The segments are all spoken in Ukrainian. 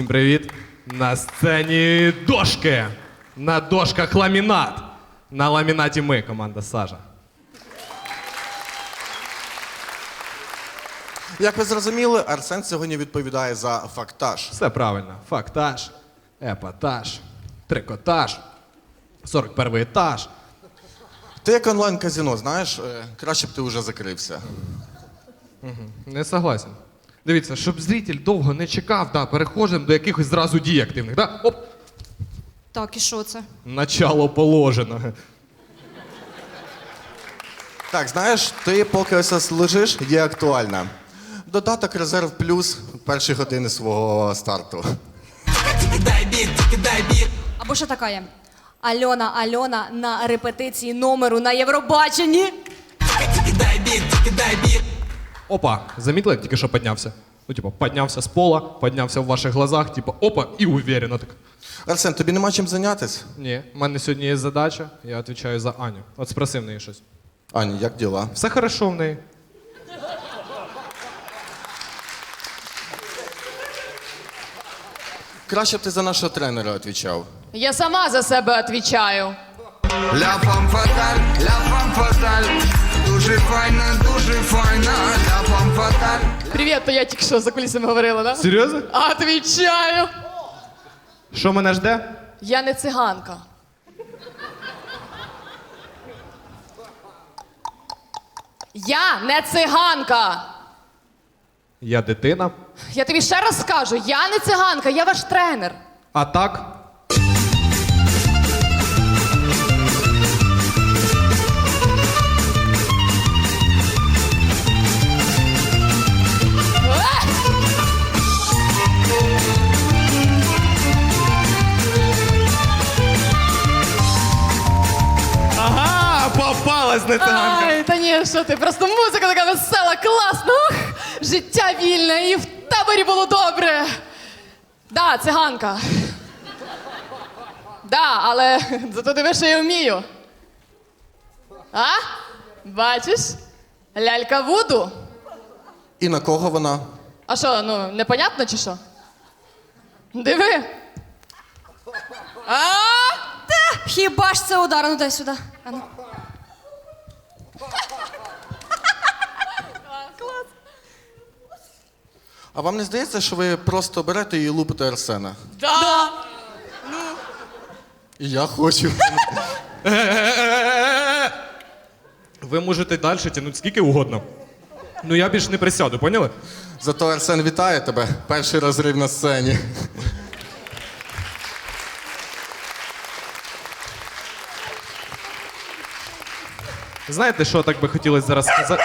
привіт! На сцені дошки! На дошках ламінат! На ламінаті ми, команда Сажа. Як ви зрозуміли, Арсен сьогодні відповідає за фактаж. Все правильно. Фактаж, епатаж, трикотаж, 41-й етаж. Ти як онлайн-казино, знаєш, краще б ти вже закрився. Не согласен. Дивіться, щоб зритель довго не чекав, да, переходимо до якихось зразу дій активних. Да? Оп! Так, і що це? Начало положено. Так, знаєш, ти поки ось лежиш, є актуальна. Додаток Резерв Плюс перші години свого старту. Або що така є? Альона на репетиції номеру на Євробаченні. Опа, замітили, як тільки що піднявся? Ну, типу, піднявся з пола, піднявся в ваших глазах, типу, опа, і уверенно так. Арсен, тобі нема чим зайнятися? Ні, в мене сьогодні є задача, я відповідаю за Аню. От спроси в неї щось. Аня, як діла? Все хорошо в неї. Краще б ти за нашого тренера відповідав. Я сама за себе відповідаю. Ля фам фаталь, дуже файна, ля фам фаталь. Привіт, то я тільки що за кулісами говорила, да? Серйозно? Отвічаю. Що мене жде? Я не циганка. Я не циганка. Я дитина. Я тобі ще раз скажу, я не циганка, я ваш тренер. А так? Ага, попалась не циганка. Ай, та ні, що ти, просто музика така весела, класна. Ух, життя вільне і в таборі було добре. Да, циганка. Да, але зато диви, що я вмію. А? Бачиш? Лялька Вуду. І на кого вона? А що, ну, непонятно чи що? Диви. А? Хіба ж це удар? Ну дай сюди. А ну. А вам не здається, що ви просто берете і лупите Арсена? Да. І я хочу. Ви можете далі тягнути скільки угодно. Ну я більше не присяду, поняли? Зато Арсен вітає тебе. Перший розрив на сцені. Знаєте, що так би хотілося зараз сказати?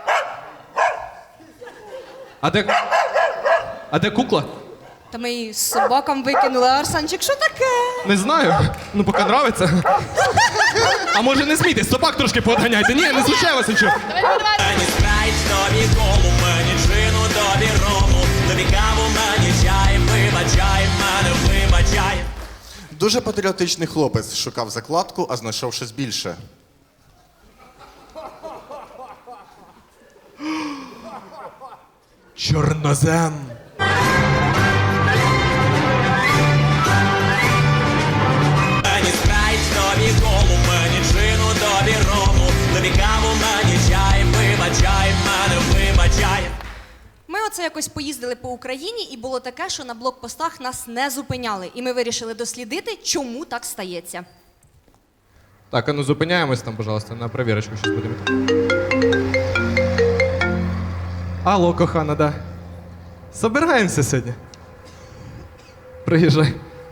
А де кукла? Та ми її з собакам викинули, а Арсенчик, що таке? Не знаю. Ну, поки нравиться. А може не смійтесь, собак трошки поганяйте. Ні, не звучає вас нічого. Давай, давай, давай. Мені спрайт, тобі колу, мені джину, тобі рому, тобі каву, мені чай, вибачай, мене вибачай. Дуже патріотичний хлопець шукав закладку, а знайшов щось більше. Чорнозем. Мені спрайт, тобі колу, мені джину, тобі рому, тобі каву, мені чай, вибачай, мене вибачай. Ми оце якось поїздили по Україні, і було таке, що на блокпостах нас не зупиняли. І ми вирішили дослідити, чому так стається. Так, а ну зупиняємось там, пожалуйста, на перевірочку щось будемо. Алло, кохана, да. Собираємося сьогодні. Приїжджай.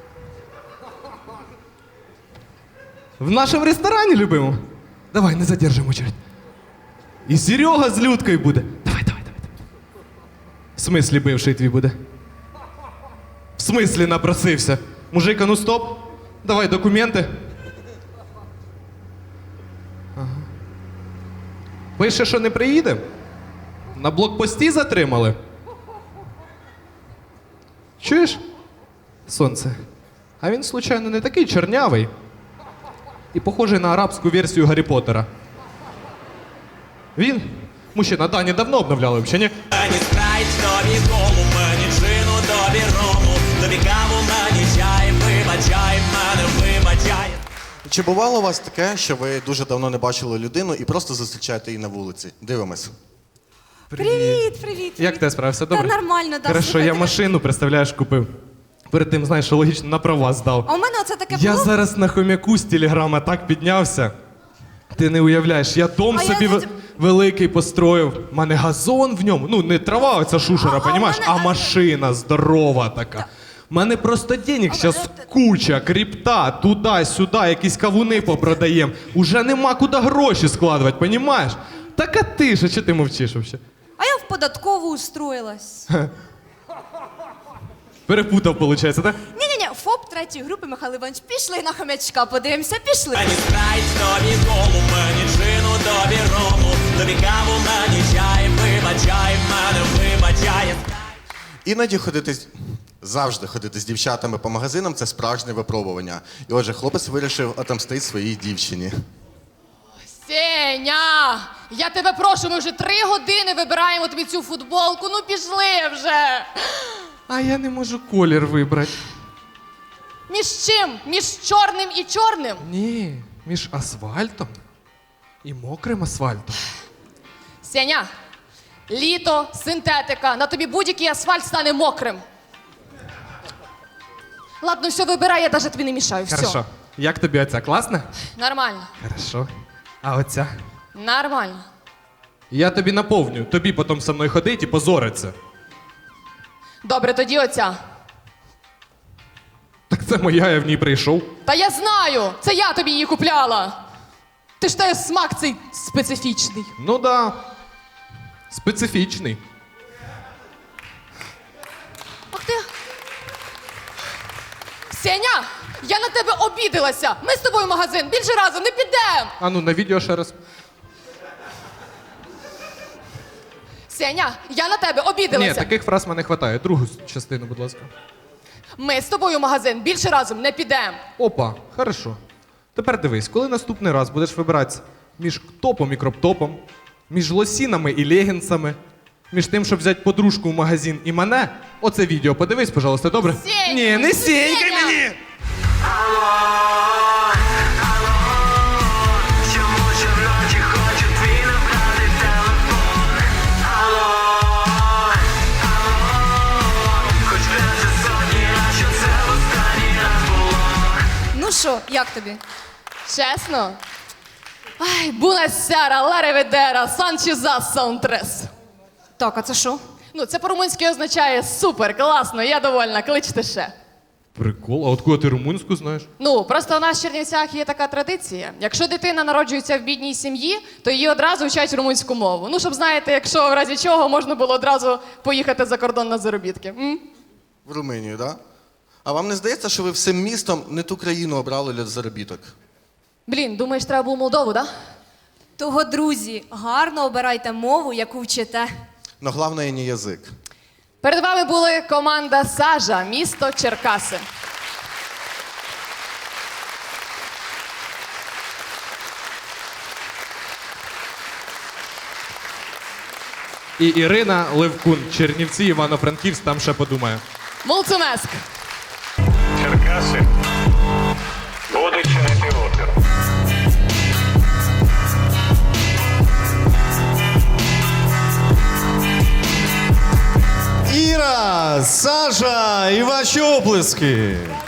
В нашому ресторані любимо. Давай, не задержимо очередь. І Серега з Людкою буде. Давай. В смислі бивший твій буде? В смислі напросився? Мужик, а ну стоп. Давай документи. Пише, що не приїде? На блокпості затримали? Чуєш? Сонце. А він, случайно, не такий чорнявий і похожий на арабську версію Гаррі Поттера. Він? Мужчина, Дані давно обновляли, взагалі, ні? Мені спрайт, тобі колу, мені джину, тобі рому, тобі каву. Чи бувало у вас таке, що ви дуже давно не бачили людину і просто зустрічаєте її на вулиці? Дивимось. Привіт. Як ти справився? Добре? Та нормально, да. Хорошо, Слухай, я ти- машину, представляєш, купив. Перед тим, знаєш, що логічно, на права здав. А у мене оце таке Я було. зараз на хомяку з телеграма так піднявся. Ти не уявляєш, я дом А я собі не- великий построїв. У мене газон в ньому. Ну, не трава, оця шушера, А понімаєш, у мене- а машина здорова така. У мене просто денег зараз куча, крипта, туди-сюди, якісь кавуни попродаємо. Уже нема куди гроші складувати, понімаєш? Так а ти ж, а чого ти мовчиш взагалі? А я в податкову устроїлась. Перепутав, виходить, так? Ні-ні-ні, ФОП третьої групи, Михайло Іванович, пішли на хомячка, подивимося, пішли. Мені спрайт, тобі колу, мені джину, тобі рому, тобі каву, мені чай, вибачай, мене вибачай. Іноді завжди ходити з дівчатами по магазинам це справжнє випробування. І отже, хлопець вирішив отомстити своїй дівчині. Сеня, я тебе прошу, ми вже 3 години вибираємо тобі цю футболку. Ну пішли вже. А я не можу колір вибрати. Між чим? Між чорним і чорним? Ні, між асфальтом і мокрим асфальтом. Сеня, літо, синтетика, на тобі будь-який асфальт стане мокрим. Ладно, все, вибирай, я навіть тобі не мішаю. Все. Хорошо. Як тобі оця? Класна? Нормально. Хорошо. А оця? Нормально. Я тобі наповню. Тобі потім со мною ходить і позориться. Добре, тоді оця. Так це моя, я в ній прийшов. Та я знаю! Це я тобі її купляла. Ти ж те смак цей специфічний. Ну да. Специфічний. Ах ти. Сеня, я на тебе обідалася. Ми з тобою в магазин більше разом не підемо. А ну на відео ще раз. Сеня, я на тебе Ні, обідалася. таких фраз мене вистачає. Другу частину, будь ласка. Ми з тобою в магазин більше разом не підемо. Опа, хорошо. Тепер дивись, коли наступний раз будеш вибиратися між топом і кроптопом, між лосінами і легінсами, між тим, щоб взяти подружку в магазин і мене, оце відео подивись, пожалуйста, добре? Сень! Ні, не сінькай Сеня! мені! Чому щоночі хочу твій набрати телефон? Алло, хоч краще сотні раз, що це останній раз було. Ну що, як тобі? Чесно? Ай, бунасяра, лареведера, санчеза, саунтрес. Так, а це що? Ну, це по-румунськи означає супер, класно, я довольна, кличте ще. Прикол, а от кого ти румунську знаєш? Ну, просто у нас в Чернівцях є така традиція. Якщо дитина народжується в бідній сім'ї, то її одразу вчать румунську мову. Ну, щоб знаєте, якщо в разі чого можна було одразу поїхати за кордон на заробітки. В Румунію, так? Да? А вам не здається, що ви всім містом не ту країну обрали для заробіток? Блін, думаєш, треба було Молдову, да? Того, друзі, гарно обирайте мову, яку вчите. Но головне не язик. Перед вами були команда Сажа, місто Черкаси. І Ірина Левкун, Чернівці, Івано-Франківськ, там ще подумає. Мулцумеск. Черкаси будуть чинити опір. Іра, Саша і ваші оплески.